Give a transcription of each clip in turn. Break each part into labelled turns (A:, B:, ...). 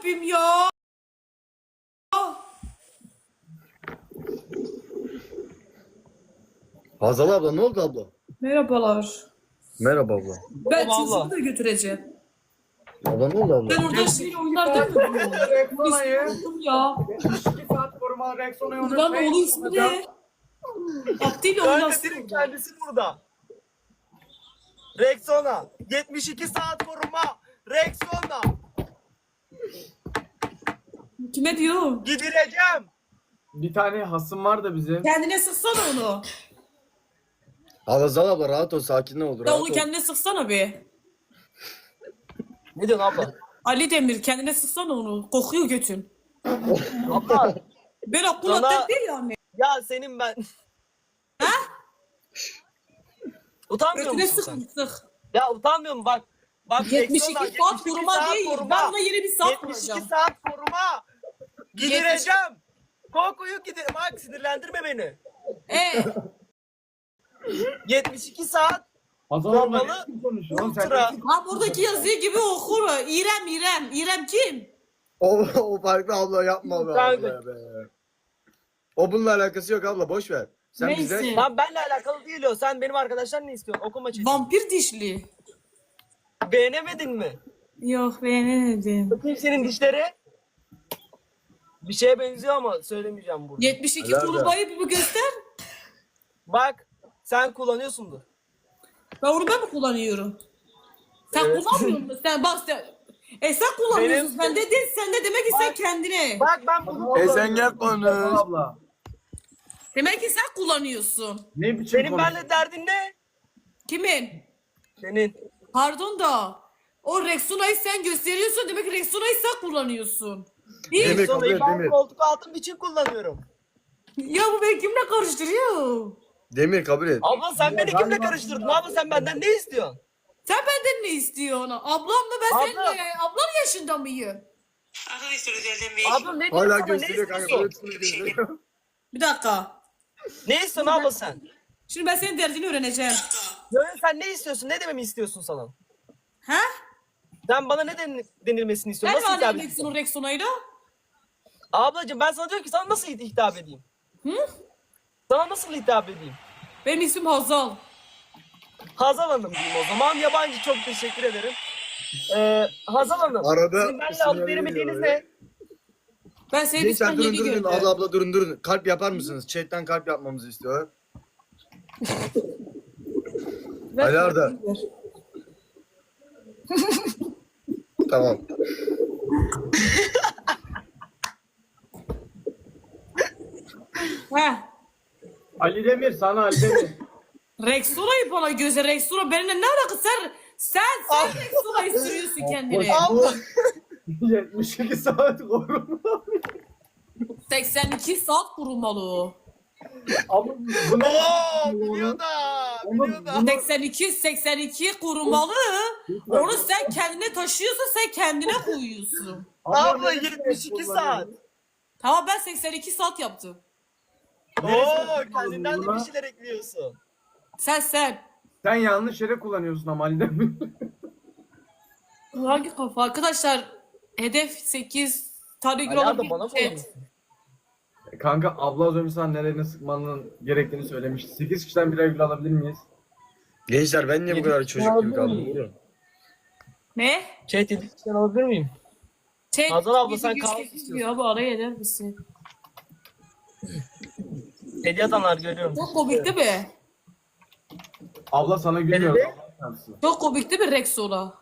A: Rabbim ya.
B: Hazal abla ne oldu abla?
A: Merhabalar.
B: Merhaba abla.
A: Ben
C: Merhaba
A: çocuğumu
C: abla.
A: da götüreceğim.
B: Abla ne oldu abla?
A: Ben orada şey oynar değil mi bu?
D: Rexona'yı
A: Unuttum ya.
D: 72 saat koruma Rexona'yı
A: Buradan oğlu ismi ne? Abdi ile
C: Kanka
A: oynasın.
C: direkt kendisi burada. Rexona. 72 saat koruma. Rexona.
A: Kime diyor?
C: Gidireceğim.
D: Bir tane hasım var da bizim.
A: Kendine sıksana onu.
B: Hazal abla rahat ol, sakin ol.
A: Ya
B: Rahat
A: onu
B: ol.
A: kendine sıksana bir.
C: Ne diyorsun abla?
A: Ali Demir kendine sıksana onu. Kokuyor götün.
C: Abla.
A: Böyle
C: Sana-
A: kulaktan değil yani.
C: Ya senin ben.
A: Ha?
C: Utanmıyor
A: Götüne
C: musun
A: sık
C: sen?
A: sık.
C: Ya utanmıyor musun? Bak
A: 72
C: Rexona,
A: saat koruma değil. Ben ona yeni bir saat
C: 72
A: kuracağım.
C: saat koruma. Gidireceğim. Kokuyu gidir. Bak sinirlendirme beni. 72 saat.
D: Hazal abla
C: Kormalı
D: ne konuşuyor? Oğlum sen
C: ultra.
A: Ha buradaki yazıyı gibi okur. İrem. İrem kim?
B: O farklı abla, yapma be
C: Kanka.
B: abla be. O bununla alakası yok abla, boş ver. Sen
A: Neyse.
B: bize...
C: Lan benle alakalı değil o. Sen benim arkadaşlar ne istiyorsun? Okuma çetin.
A: Vampir dişli.
C: Beğenemedin mi?
A: Yok beğenemedim.
C: Bakayım senin dişleri. Bir şeye benziyor ama söylemeyeceğim burada.
A: 72
B: Helal be.
A: kurbayı bir göster.
C: Bak sen kullanıyorsundur.
A: Ben onu ben mi kullanıyorum? Sen
C: Evet.
A: kullanmıyor musun? Sen bak sen. Sen kullanıyorsun.
C: Benim-
A: Sen de değil. Sen de demek ki sen kendine.
C: Bak ben bunu
D: Hazal
B: sen gel
D: Hazal
B: konuş.
D: abla.
A: Demek ki sen kullanıyorsun.
D: Ne biçim
C: Senin
D: konuşuyor?
C: benimle derdin ne?
A: Kimin?
C: Senin.
A: Pardon da. O Rexona'yı sen gösteriyorsun. Demek ki Rexona'yı sen kullanıyorsun. Değil.
B: Demir, kabul
C: Sonrayı
B: et,
C: ben
B: Demir.
C: koltuk altım için kullanıyorum.
A: Ya bu beni kimle karıştırıyor?
B: Demir kabul et.
C: Abla sen beni kimle karıştırdın? Abla sen benden ne istiyorsun?
A: Sen benden ne istiyorsun? Ablam mı ben
C: Abla.
A: seninle? Ablan yaşında mıyım?
C: Abla ne diyorsun
B: Hala
C: sana? Ne
B: gösteriyor kanka.
C: istiyorsun?
B: Hepsini gösteriyor.
A: Bir dakika.
C: Ne istiyorsun abla sen?
A: Şimdi ben senin derdini öğreneceğim.
C: Böyle sen ne istiyorsun? Ne dememi istiyorsun sana?
A: Ha?
C: Sen bana ne denilmesini istiyorsun?
A: Nerede
C: Nasıl hitap
A: annem
C: edeyim?
A: Rexona'yla?
C: Ablacığım ben sana diyorum ki sana nasıl hitap edeyim?
A: Hı?
C: Sana nasıl hitap edeyim?
A: Benim ismim Hazal.
C: Hazal Hanım diyeyim o zaman. Yabancı çok teşekkür ederim. Hazal Hanım.
B: Arada
C: Sizin benimle
B: sinyali
C: alıp veremediğiniz
B: veriyor
C: ne?
A: Ben senin
B: Gençler
A: ismini
B: durun
A: yeni
B: durun.
A: gördüm.
B: Abla abla durun. Kalp yapar mısınız? Chatten kalp yapmamızı istiyor.
A: Ver,
B: Ali Arda.
A: ver.
B: Tamam.
A: Heh.
D: Ali Demir sana Ali Demir.
A: Rexona'yı bana göze Rexona benimle ne alakası? Sen Rexona'yı sürüyorsun kendine.
C: Abla.
D: 72 saat koruma.
A: 82 saat kurulmalı o.
D: Ama bu ne?
C: Oo, biliyor da. Biliyor da.
A: 82 kurulmalı. Onu sen kendine taşıyorsun, sen kendine koyuyorsun.
C: Abla
D: ne demek
C: 72 saat.
A: Tamam ben 82 saat yaptım.
C: Oo, kendinden de
D: buna?
C: bir şeyler ekliyorsun.
A: Sen.
D: Sen yanlış yere kullanıyorsun ama Ali Demir.
A: Hangi kafa? Arkadaşlar hedef 8 tane gül
C: Ali
A: alıp
C: Arda bana mı
A: gidecek.
C: oynuyorsun?
D: Kanka abla az önce sana nereye sıkmanın gerektiğini söylemişti. 8 kişiden birer gül alabilir miyiz?
B: Gençler ben niye bu kadar çocuk gibi kaldım? Buyurun.
A: Ne?
C: Chat edilmişten alabilir miyim?
A: Şey,
C: Hazal abla, sen
A: güç
C: kaos
A: geçmiyor
C: istiyorsun.
A: abi araya eder misin?
C: Hediye atanlar görüyorum.
A: Çok komik değil mi?
D: Abla sana gülmüyor.
C: dedi?
A: Çok komik değil mi Rexona?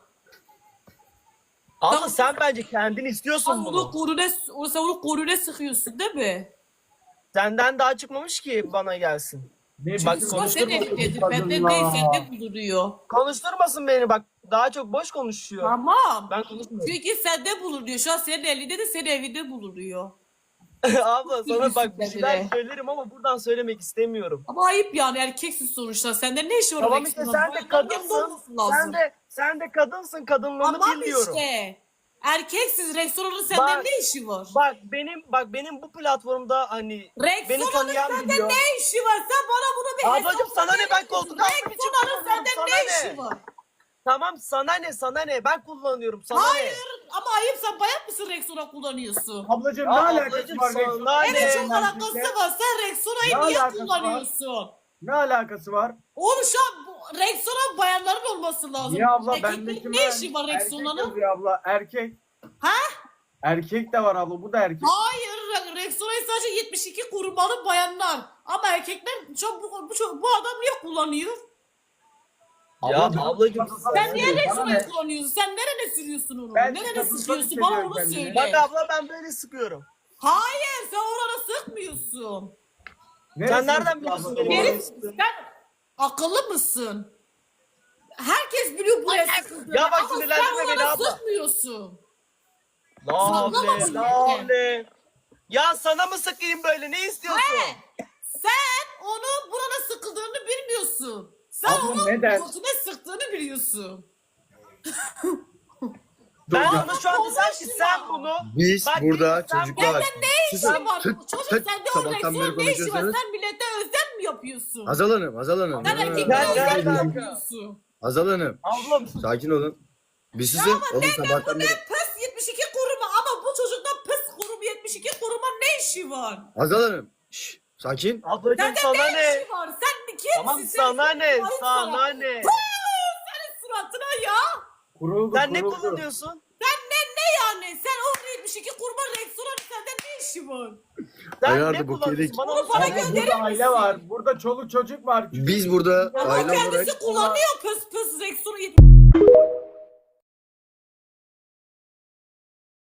C: Abla sen bence kendin istiyorsun
A: Sen
C: bunu.
A: onu korune sıkıyorsun değil mi?
C: Senden daha çıkmamış ki bana gelsin.
D: Ne
C: Bak,
D: biçim
A: Ama sen
C: konuşturma.
A: elindedir. Benden değil sende bulunuyor.
C: Konuşturmasın beni bak. Daha çok boş konuşuyor.
A: Tamam.
C: Ben konuşmuyorum.
A: Çünkü sende bulunuyor. Şu an senin elinde de senin evinde bulunuyor.
C: Abla sana bak bir şeyler
A: Kendine.
C: söylerim ama buradan söylemek istemiyorum.
A: Ama ayıp yani erkeksin sonuçta. Sende ne işi var
C: Tamam
A: Rexona'nın?
C: işte sen de
A: Boyundan yanında
C: kadınsın.
A: olması lazım.
C: Sen de kadınsın. Kadınlığını
A: Tamam
C: biliyorum.
A: işte. Erkeksiz Rexona'nın sende
C: Bak-
A: ne işi var?
C: Benim bu platformda hani beni
A: Rexona'nın
C: tanıyan
A: sende
C: biliyor.
A: ne işi var? Sen bana bunu bir
C: Ablacım
A: hesap
C: sana ne,
A: verir
C: ben
A: misin?
C: koltuk altım için
A: Rexona'nın
C: kullanıyorum,
A: sende
C: sana
A: ne
C: ne?
A: işi var?
C: Tamam sana ne ben kullanıyorum sana
A: Hayır
C: ne?
A: ama ayıp, sen bayan mısın Rexona kullanıyorsun?
D: Ablacığım
C: Ya
D: ne alakası
C: ablacığım,
D: var
C: sana
D: Rexona?
C: ne?
A: Evet çok
C: Ne
A: alakası var. Sen Rexona'yı
D: Ne
A: niye
D: alakası var?
A: kullanıyorsun?
D: Ne alakası var?
A: Oğlum şu an Rexona bayanların olması lazım.
D: Niye abla
A: Erkeklerin
D: bendeki
A: ne işi var
D: erkek
A: Rexona'nın?
D: yazıyor abla erkek.
A: Ha?
D: Erkek de var abla bu da erkek.
A: Hayır, Rexona'yı sadece 72 korumalı bayanlar. Ama erkekler bu adam niye kullanıyor?
C: Ya
D: Abla,
C: ablacığım
A: Sen niye
D: Bana ne?
A: Rexona'yı kullanıyorsun? Sen nerene sürüyorsun onu?
D: Ben
A: Nerene
D: kadınsa
A: sıkıyorsun?
D: hissediyorum
A: Bana onu
D: kendimi.
A: söyle.
C: bak abla ben böyle sıkıyorum.
A: Hayır, sen orana sıkmıyorsun.
D: Neresi
C: Sen nereden
D: abla?
C: biliyorsun benim
A: Benim,
C: oraya sıktığımı?
A: sen akıllı mısın? Herkes biliyor buraya sıkıldığını.
C: Ya bak
A: ama sen
C: sinirlendirme beni
A: orana
C: abla.
A: sıkmıyorsun.
C: Lavle
A: Sallamasın
C: lavle. Ya sana mı sıkayım böyle ne istiyorsun?
A: Sen onu burana sıkıldığını bilmiyorsun. Sen
D: Abla
A: onun
D: neden?
A: götüne sıktığını biliyorsun.
C: Ben
D: Dur ya.
C: ona şu anda sanki sen bunu
B: Biz
C: Bak,
B: burada
C: sen-
B: çocuklar.
A: Ne işi var? Çocuk sende o
B: Sabahtan beri
A: Rexona ne işi var?
B: konuşuyorsunuz.
A: Sen millete özlem mi yapıyorsun?
B: Hazal Hanım.
A: Sen
C: Gel,
A: erkeklere
C: gel,
A: özlem mi
C: gel.
A: yapıyorsun?
B: Hazal Hanım.
C: ablam
B: Sakin olun. Biz sizin oğlum sabahtan beri.
A: Pes 72 koruma ama bu çocukta pes koruma 72 koruma ne işi var?
B: Hazal Hanım. Şşş, sakin.
C: ablacığım
A: Sende
C: sana
A: ne
C: ne?
A: işi var? Sen kimsin?
C: Tamam
A: Sen
C: sana ne?
A: ayıp
C: Sana ne?
A: Senin suratına ya.
D: Kuruldu,
C: Sen ne
D: kuruldu.
C: kullanıyorsun?
A: Ne yani? Sen o 72 kurban Rexona'nın sende ne işi var?
C: Sen
B: Ayardı
C: ne
B: bu
C: kullanıyorsun?
B: kelik.
C: Bana
A: Onu
C: onu
A: bana
C: söyle.
A: gö-
D: Burada
A: Gönderir
D: aile
A: misin?
D: var. Burada çoluk çocuk var.
B: Biz burada
A: Ama
B: aile olarak
A: kendisi kullanıyor pes Rexona 72